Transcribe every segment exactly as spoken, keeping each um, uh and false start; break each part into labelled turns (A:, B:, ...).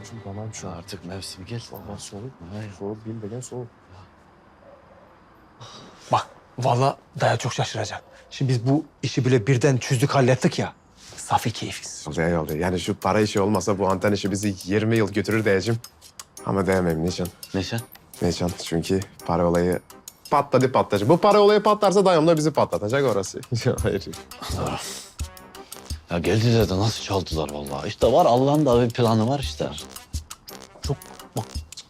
A: Tamam şu artık mevsim gel. Tamam soğuk mu? Hayır. Soğuk değil de soğuk.
B: Bak vallahi Daya çok şaşıracak. Şimdi biz bu işi bile birden çözdük hallettik ya. Safi keyfiz.
C: Oldu iyi oldu. Yani şu para işi olmasa bu anten işi bizi yirmi yıl götürür diyeceğim. Ama diyemem Nişan.
A: Neşen?
C: Nişan çünkü para olayı patladı patlayacak. Bu para olayı patlarsa dayım da bizi patlatacak orası. Hayır.
A: Ya geldiler de nasıl çaldılar vallahi. İşte var Allah'ın da bir planı var işte.
B: Çok bak.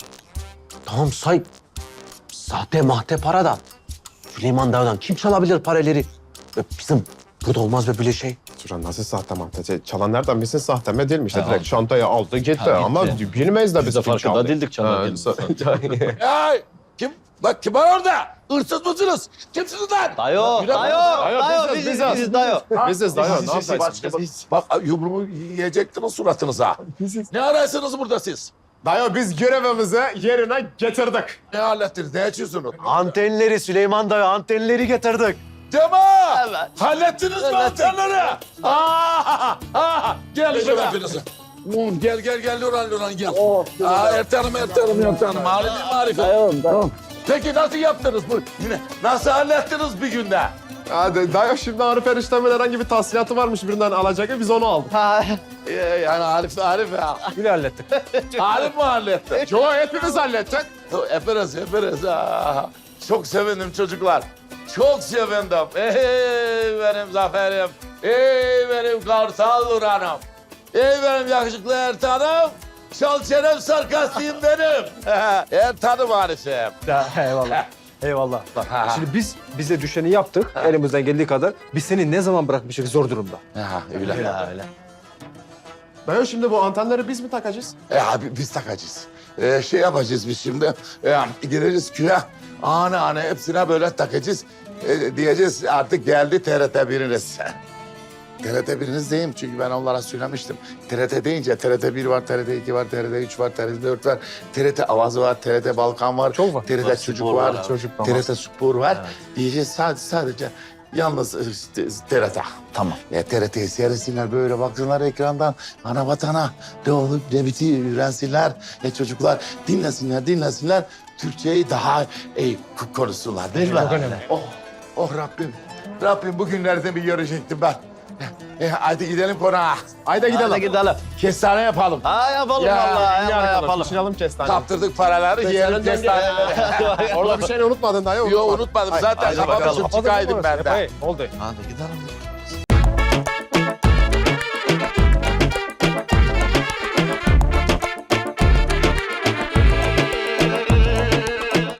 B: Tamam say. Sahte mahte para da. Süleyman Dağ'dan kim çalabilir paraları? E, Bizim burada olmaz be böyle şey.
C: Şuran nasıl sahte mahte? Çalan nereden bilsin sahte mi değil mi? İşte
A: Ha,
C: direkt
A: aldı.
C: çantaya aldı gitti.
A: Ha, gitti.
C: Ama bilmeyiz de biz
A: Biz de
C: kim
A: farkında
C: çaldı.
A: değildik çalan
C: Ha,
A: geldiğini.
D: Ay kim? Lan kim var orada? Hırsız mısınız? Kimsiniz lan?
A: Dayo,
D: Yürü
A: dayo,
D: lan.
A: dayo, biziz, biziz, dayo.
C: Biziz dayı ne
D: Siz-
C: yapacaksın?
D: Başka- Bak yumruğumu yiyecektiniz suratınıza. Ne arıyorsunuz burada siz?
C: Dayı biz görevimizi yerine getirdik.
D: Ne hallettiniz? Ne içiyorsunuz?
B: Antenleri Süleyman Dağ antenleri getirdik.
D: Tamam.
A: Evet.
D: Hallettiniz mi antenleri? Aa, aa, gel şöyle hepiniz. Ulan gel gel gel Nurhan Nurhan gel. Aa, Ertan'ım Ertan'ım Ertan'ım. Marifim marifim.
A: Tamam, tamam.
D: Peki nasıl yaptınız bu? Yine nasıl hallettiniz bir günde?
C: Hadi dayı şimdi Arif eniştemin herhangi bir tahsilatı varmış birinden alacak biz onu aldık.
D: Ee, yani Arif Arif ya.
B: Böyle hallettik.
D: Arif mi halletti?
C: Yo hepimiz hallettik.
D: Hepiniz hepiniz. Aa, çok sevindim çocuklar. Çok sevindim. Ey benim zaferim. Ey benim kartal Nurhan'ım. Ey benim yakışıklı Ertan'ım. Şal çenem sarkastıyım benim. Ertan'ım Arif'im.
B: Ya, eyvallah. Eyvallah. Bak, şimdi biz bize düşeni yaptık elimizden geldiği kadar. Biz seni ne zaman bırakmışız zor durumda.
D: Ha, öyle.
A: Öyle, öyle.
C: Dayı şimdi bu antenleri biz mi takacağız?
D: E abi biz takacağız. E, şey yapacağız biz şimdi. E, gireriz köye. Ana ana hepsine böyle takacağız. E, diyeceğiz artık geldi T R T biriniz. T R T biriniz diyeyim çünkü ben onlara söylemiştim. T R T deyince T R T bir var, T R T iki var, T R T üç var, T R T dört var. T R T Avazı var, T R T Balkan var.
B: Çok var.
D: T R T
A: Var,
D: Çocuk
A: spor
D: var,
A: var abi.
C: Çocuk da
D: T
C: var.
D: R T Spor var. Diyeceğiz sadece, sadece yalnız e, T R T.
A: Tamam.
D: E, T R T'yi seyretsinler böyle baksınlar ekrandan. Ana vatana ne olup ne bitiyor öğrensinler. E, çocuklar dinlesinler dinlesinler. Türkçeyi daha iyi k- konuşsunlar değil mi?
B: Çok önemli.
D: Oh, oh Rabbim. Rabbim bugünlerde bir görecektim ben. E, hadi gidelim konağa.
C: Haydi gidelim.
A: Hadi gidelim.
D: Kestane yapalım.
A: Ha yapalım
D: Ya,
A: vallahi,
C: İyi
A: yapalım.
C: arkadaş,
A: yapalım.
C: düşünelim kestane.
D: Kaptırdık paraları yiyelim kestaneleri.
C: Orada bir şey unutmadın dayı.
D: Yok unutmadım zaten
C: Haydi
D: kafam
C: bakalım.
D: uçup çıkaydım ben de.
B: Epey, oldu.
A: Hadi gidelim